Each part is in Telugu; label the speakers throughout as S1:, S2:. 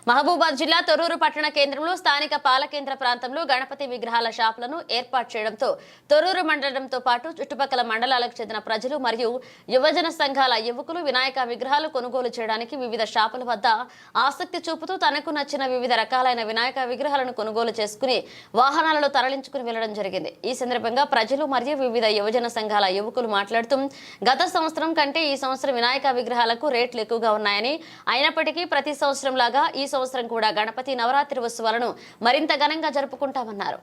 S1: మహబూబాద్ జిల్లా తొర్రూరు పట్టణ కేంద్రంలో స్థానిక పాలకేంద్ర ప్రాంతంలో గణపతి విగ్రహాల షాపులను ఏర్పాటు చేయడంతో తొర్రూరు మండలంతో పాటు చుట్టుపక్కల మండలాలకు చెందిన ప్రజలు మరియు యువజన సంఘాల యువకులు వినాయక విగ్రహాలు కొనుగోలు చేయడానికి వివిధ షాపుల వద్ద ఆసక్తి చూపుతూ తనకు నచ్చిన వివిధ రకాలైన వినాయక విగ్రహాలను కొనుగోలు చేసుకుని వాహనాలలో తరలించుకుని వెళ్లడం జరిగింది। ఈ సందర్భంగా ప్రజలు మరియు వివిధ యువజన సంఘాల యువకులు మాట్లాడుతూ గత సంవత్సరం కంటే ఈ సంవత్సరం వినాయక విగ్రహాలకు రేట్లు ఎక్కువగా ఉన్నాయని, అయినప్పటికీ ప్రతి సంవత్సరం లాగా ఈ సంవత్సరం కూడా గణపతి నవరాత్రి ఉత్సవాలను మరింత ఘనంగా జరుపుకుంటామన్నారు।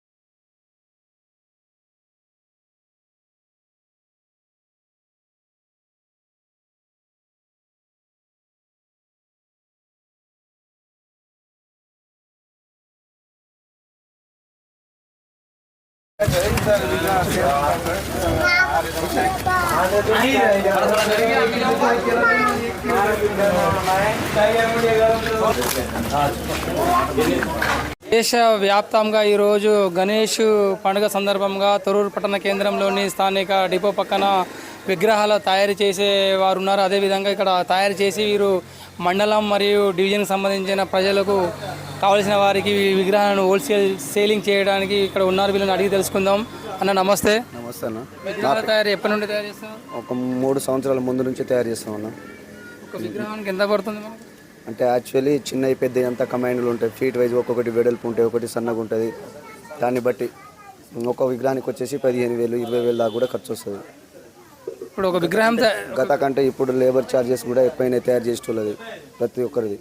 S2: దేశవ్యాప్తంగా ఈరోజు గణేష్ పండుగ సందర్భంగా తొర్రూరు పట్టణ కేంద్రంలోని స్థానిక డిపో పక్కన విగ్రహాలు తయారు చేసే వారు ఉన్నారు। అదేవిధంగా ఇక్కడ తయారు చేసి వీరు మండలం మరియు డివిజన్కి సంబంధించిన ప్రజలకు కావలసిన వారికి విగ్రహాలను హోల్సేల్ సేలింగ్ చేయడానికి ఇక్కడ ఉన్నారు। వీళ్ళని అడిగి తెలుసుకుందాం। అన్న నమస్తే।
S3: నమస్తే అన్న।
S2: విగ్రహాల తయారు ఎప్పటి నుండి తయారు చేస్తాం?
S3: ఒక 3 సంవత్సరాల ముందు నుంచి తయారు చేస్తాం అన్న।
S2: ఒక విగ్రహానికి ఎంత పడుతుంది మనకు?
S3: అంటే యాక్చువల్లీ చిన్న పెద్ద అంతా కమాండ్లు ఉంటాయి, ఫీట్ వైజ్ ఒక్కొక్కటి వెడల్పు ఉంటాయి, ఒకటి సన్నగా ఉంటుంది। దాన్ని బట్టి ఒక విగ్రహానికి వచ్చేసి 15,000 20,000 దాకా కూడా ఖర్చు వస్తుంది।
S2: ఇప్పుడు ఒక విగ్రహం
S3: గత కంటే ఇప్పుడు లేబర్ ఛార్జెస్ కూడా ఎక్కువైనా తయారు చేసేటోళ్ళది ప్రతి ఒక్కరిది।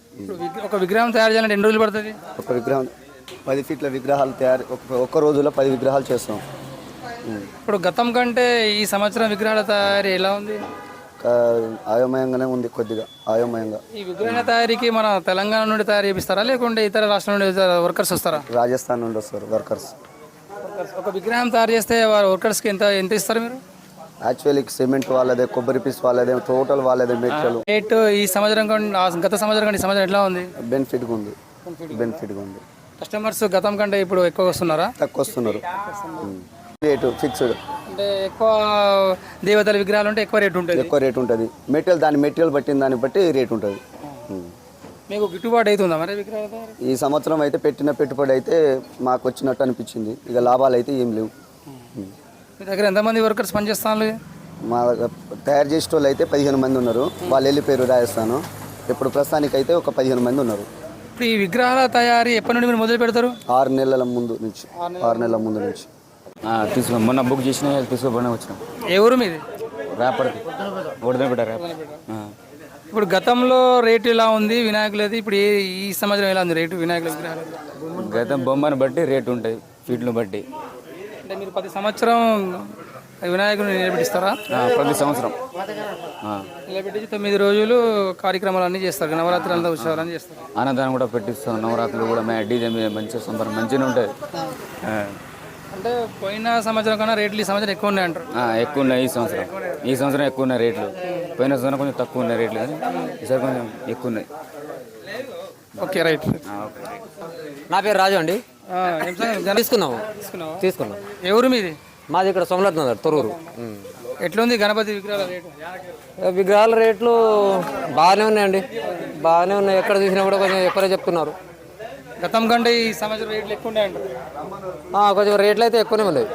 S2: ఒక విగ్రహం తయారు చేయాలంటే ఎన్ని రోజులు పడుతుంది? ఒక
S3: విగ్రహం 10 ఫీట్ల విగ్రహాలు తయారు ఒక్క రోజులో 10 విగ్రహాలు చేస్తాం।
S2: ఇప్పుడు గతం కంటే ఈ సంవత్సరం విగ్రహాల తయారీ ఎలా ఉంది?
S3: ఆయోమయంగానే ఉంది, కొద్దిగా ఆయోమయంగా।
S2: ఈ విగ్రహాల తయారీకి మన తెలంగాణ నుండి తయారు చేపిస్తారా లేకుంటే ఇతర రాష్ట్రాల నుండి వర్కర్స్ వస్తారా?
S3: రాజస్థాన్ నుండి వస్తారు వర్కర్స్।
S2: ఒక విగ్రహం తయారు చేస్తే వారు వర్కర్స్కి ఎంత ఇస్తారు మీరు?
S3: యాక్చువల్లీ సిమెంట్ వాళ్ళదే, కొబ్బరి పీస్ వాళ్ళదే, టోటల్ వాళ్ళదే మెటీరియల్।
S2: రేట్ ఈ సంవత్సరం గత సంవత్సరం కంటే ఈ సంవత్సరం ఎట్లా ఉంది?
S3: బెనిఫిట్గా ఉంది।
S2: కస్టమర్స్ గతం కంటే ఇప్పుడు ఎక్కువ వస్తున్నారా?
S3: తక్కువ వస్తున్నారు। రేటు ఫిక్స్డ్,
S2: అంటే ఎక్కువ దేవతల విగ్రహాలు ఉంటే ఎక్కువ రేట్
S3: ఉంటుంది। మెటీరియల్ దాని మెటీరియల్ బట్టిన దాన్ని బట్టి రేట్ ఉంటుంది।
S2: మీకు గిట్టుబాటు అవుతుందా మరి విగ్రహాలు?
S3: ఈ సంవత్సరం అయితే పెట్టిన పెట్టుబడి అయితే మాకు వచ్చినట్టు అనిపించింది, ఇక లాభాలు అయితే ఏం లేవు।
S2: మీ దగ్గర ఎంతమంది వర్కర్స్ పనిచేస్తాను?
S3: మా తయారు చేసే వాళ్ళు అయితే 15 మంది ఉన్నారు, వాళ్ళు వెళ్ళిపోయారు రాజస్థాన్। ఇప్పుడు ప్రస్తుతానికి అయితే ఒక 15 మంది ఉన్నారు।
S2: ఇప్పుడు ఈ విగ్రహాల తయారీ ఎప్పటి నుండి మీరు మొదలు పెడతారు?
S3: 6 నెలల ముందు నుంచి
S4: తీసుకో మొన్న బుక్ చేసిన తీసుకోబోనే వచ్చినాం।
S2: ఏ ఊరు మీది?
S4: రేపటికి ఓడిదనపేట రేప।
S2: ఇప్పుడు గతంలో రేటు ఎలా ఉంది వినాయకులది, ఇప్పుడు ఈ సంవత్సరం ఎలా ఉంది రేటు వినాయకుల విగ్రహాలు?
S4: గతం బొమ్మను బట్టి రేటు ఉంటుంది, ఫీట్ను బట్టి।
S2: అంటే మీరు ప్రతి సంవత్సరం వినాయకుడిని నిలబెట్టిస్తారా?
S4: ప్రతి సంవత్సరం
S2: నిలబెట్టి 9 రోజులు కార్యక్రమాలు అన్నీ చేస్తారు, నవరాత్రి అంతా ఉత్సవాలు అన్నీ చేస్తారు,
S4: అన్నదానం కూడా పెట్టిస్తాం। నవరాత్రులు కూడా డీజే మీద మంచిగా సంబరం మంచిగా ఉంటుంది।
S2: అంటే పోయిన సంవత్సరం కన్నా రేట్లు ఈ సంవత్సరం ఎక్కువ ఉన్నాయి అంటారు?
S4: ఎక్కువ ఉన్నాయి ఈ సంవత్సరం ఎక్కువ ఉన్నాయి రేట్లు। పోయిన సంవత్సరం కొంచెం తక్కువ ఉన్నాయి రేట్లు, కానీ ఈసారి కొంచెం ఎక్కువ ఉన్నాయి।
S2: Okay right.
S5: నా పేరు రాజు అండి। తీసుకున్నాం।
S2: ఎవరు మీది?
S5: మాది ఇక్కడ సోమనాథ్ నగర్ తొర్రూరు।
S2: ఎట్లుంది గణపతి విగ్రహాల రేటు?
S5: విగ్రహాల రేట్లు బాగానే ఉన్నాయండి, బాగానే ఉన్నాయి। ఎక్కడ చూసినా కూడా కొంచెం ఎక్కువనే చెప్తున్నారు।
S2: గతం కంటే ఈ సంవత్సరం రేట్లు ఎక్కువ ఉన్నాయి అంటారు?
S5: కొంచెం రేట్లు అయితే ఎక్కువనే ఉన్నాయి।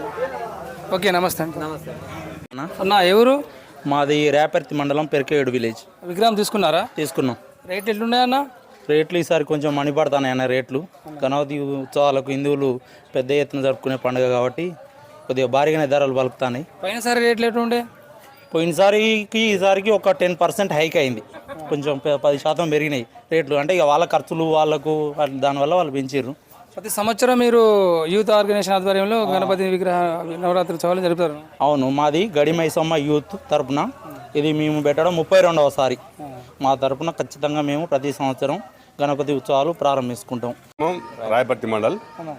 S2: ఓకే నమస్తే అండి। నమస్తే అన్న, ఎవరు?
S6: మాది రేపర్తి మండలం పెరికేడు విలేజ్।
S2: విగ్రహం తీసుకున్నారా?
S6: తీసుకున్నాం।
S2: రేట్లు ఎట్లున్నాయన్న?
S6: రేట్లు ఈసారి కొంచెం మణిపడతానన్న రేట్లు। గణపతి ఉత్సవాలకు హిందువులు పెద్ద ఎత్తున జరుపుకునే పండుగ కాబట్టి కొద్దిగా భారీగానే ధరలు పలుకుతాయి।
S2: పోయినసారి రేట్లు ఎట్లుండే?
S6: పోయినసారికి ఈసారికి ఒక 10% హైక్ అయింది, కొంచెం 10% పెరిగినాయి రేట్లు। అంటే ఇక వాళ్ళ ఖర్చులు వాళ్ళకు దానివల్ల వాళ్ళు పెంచారు।
S2: ప్రతి సంవత్సరం మీరు యూత్ ఆర్గనైజేషన్ ఆధ్వర్యంలో గణపతి విగ్రహ నవరాత్రి ఉత్సవాలు జరుపుతారు?
S6: అవును, మాది గడిమైసమ్మ యూత్ తరపున ఇది మేము పెట్టడం 32వ సారి। మా తరపున ఖచ్చితంగా మేము ప్రతి సంవత్సరం గణపతి ఉత్సవాలు ప్రారంభించుకుంటాం।
S7: రాయపర్తి మండల్।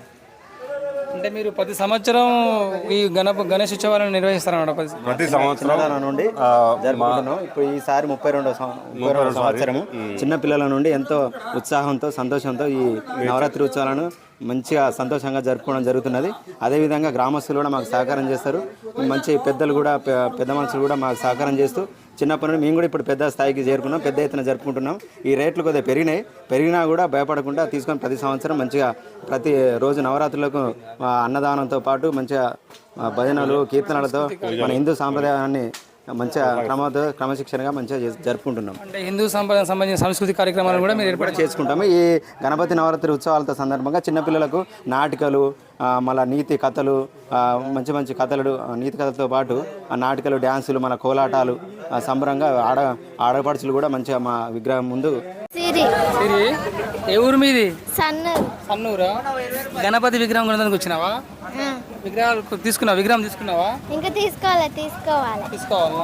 S2: అంటే మీరు ప్రతి సంవత్సరం ఈ గణేష్ ఉత్సవాలను నిర్వహిస్తారన్నమాట?
S7: ప్రతి సంవత్సరం
S8: నుండి జరుపుకుంటున్నాం। ఇప్పుడు ఈసారి 32వ సంవత్సరము చిన్న పిల్లల నుండి ఎంతో ఉత్సాహంతో సంతోషంతో ఈ నవరాత్రి ఉత్సవాలను మంచిగా సంతోషంగా జరుపుకోవడం జరుగుతున్నది। అదేవిధంగా గ్రామస్తులు కూడా మాకు సహకారం చేస్తారు, మంచి పెద్దలు కూడా పెద్ద మనుషులు కూడా మాకు సహకారం చేస్తూ చిన్నప్పటి నుండి మేము కూడా ఇప్పుడు పెద్ద స్థాయికి చేరుకున్నాం, పెద్ద ఎత్తున జరుపుకుంటున్నాం. ఈ రేట్లు కొద్దిగా పెరిగినా కూడా భయపడకుండా తీసుకొని ప్రతి సంవత్సరం మంచిగా ప్రతి రోజు నవరాత్రులకు అన్నదానంతో పాటు మంచిగా భజనలు కీర్తనలతో మన హిందూ సాంప్రదాయాన్ని మంచిగా క్రమశిక్షణగా మంచిగా జరుపుకుంటున్నాం.
S2: అంటే హిందూ సంబంధించిన సాంస్కృతిక కార్యక్రమాలను కూడా మీరు ఏర్పాటు
S8: చేసుకుంటాము. ఈ గణపతి నవరాత్రి ఉత్సవాలతో సందర్భంగా చిన్నపిల్లలకు నాటికలు, మళ్ళీ నీతి కథలు, మంచి మంచి కథలు, నీతి కథలతో పాటు నాటికలు, డ్యాన్సులు, మన కోలాటాలు సంబరంగా ఆడపడుచులు కూడా మంచిగా మా విగ్రహం ముందు.
S2: సిరి ఏ ఊరు మీది?
S9: సన్నూరా.
S2: గణపతి విగ్రహం కొనడానికి వచ్చినావా? విగ్రహాలు విగ్రహం తీసుకున్నావా?
S9: ఇంకా తీసుకోవాలా?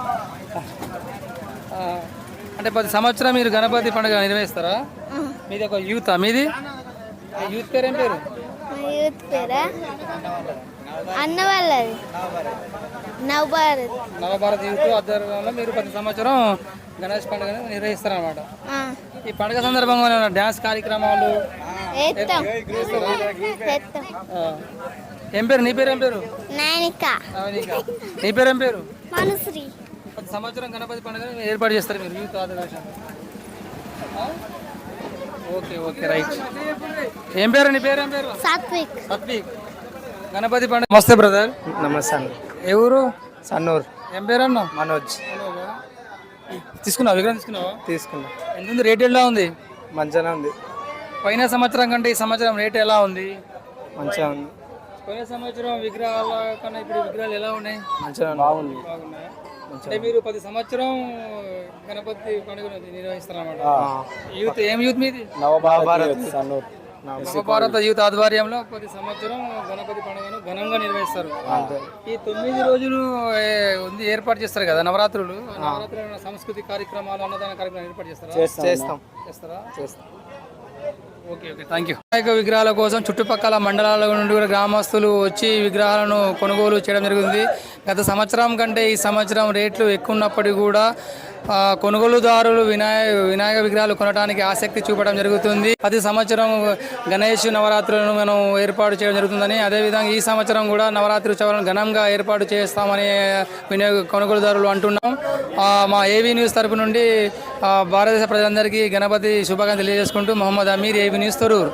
S2: అంటే ప్రతి సంవత్సరం మీరు గణపతి పండుగ నిర్వహిస్తారా? మీది ఒక యూత్ మీది యూత్ పేరు ఏం పేరు?
S9: యూత్ పేరా అన్న వాళ్ళది
S2: నవభారత్ యూత్ ఆధ్వర్యంలో మీరు ప్రతి సంవత్సరం గణేష్ పండుగ నిర్వహిస్తారన్నమాట. ఈ పండుగ సందర్భంగా డ్యాన్స్ కార్యక్రమాలు ఏం పేరు? నీ పేరు ఏం పేరు? నీ పేరు ఏం పేరు? ప్రతి సంవత్సరం గణపతి పండుగ ఏర్పాటు చేస్తారు మీరు యూత్ ఆధ్వర్యంలో. Okay right. ఏం పేరు? నీ పేరు ఏం పేరు?
S9: సాత్విక్.
S2: గణపతి పండుగ. నమస్తే బ్రదర్.
S5: నమస్తే అండి.
S2: ఏ ఊరు?
S5: సన్నూరు.
S2: ఏం పేరు అన్న?
S5: మనోజ్.
S2: తీసుకున్నావా? విగ్రహం తీసుకున్నావా?
S5: తీసుకున్నా.
S2: ఎంత ఉంది? రేట్ ఎలా ఉంది?
S5: మంచిగానే ఉంది.
S2: పోయిన సంవత్సరం కంటే ఈ సంవత్సరం రేట్ ఎలా ఉంది?
S5: మంచిగా ఉంది.
S2: పోయిన సంవత్సరం విగ్రహాల కన్నా ఇప్పుడు విగ్రహాలు ఎలా ఉన్నాయి?
S5: మంచిగా బాగుంది.
S2: అంటే మీరు ప్రతి సంవత్సరం గణపతి పండుగ నిర్వహిస్తారన్నమాట. యూత్ ఏం యూత్ మీది? నవభారత యూత్ ఆధ్వర్యంలో ప్రతి సంవత్సరం గణపతి పండుగను ఘనంగా నిర్వహిస్తారు. ఈ 9 రోజులు ఉంది ఏర్పాటు చేస్తారు కదా నవరాత్రులు. నవరాత్రులు సాంస్కృతిక కార్యక్రమాలు, అన్నదాన కార్యక్రమాలు ఏర్పాటు చేస్తారా? Okay thank you. వినాయక విగ్రహాల కోసం చుట్టుపక్కల మండలాల నుండి కూడా గ్రామస్తులు వచ్చి విగ్రహాలను కొనుగోలు చేయడం జరుగుతుంది. గత సంవత్సరం కంటే ఈ సంవత్సరం రేట్లు ఎక్కువ ఉన్నప్పటికీ కూడా కొనుగోలుదారులు వినాయక విగ్రహాలు కొనడానికి ఆసక్తి చూపడం జరుగుతుంది. ప్రతి సంవత్సరం గణేష్ నవరాత్రులను మనం ఏర్పాటు చేయడం జరుగుతుందని, అదేవిధంగా ఈ సంవత్సరం కూడా నవరాత్రి ఉత్సవాలను ఘనంగా ఏర్పాటు చేస్తామని కొనుగోలుదారులు అంటున్నాం. మా ఏవీ న్యూస్ తరపు నుండి భారతదేశ ప్రజలందరికీ గణపతి శుభాకాంక్షలు తెలియజేసుకుంటూ మొహమ్మద్ అమీర్, ఏవీ న్యూస్ తొర్రూరు.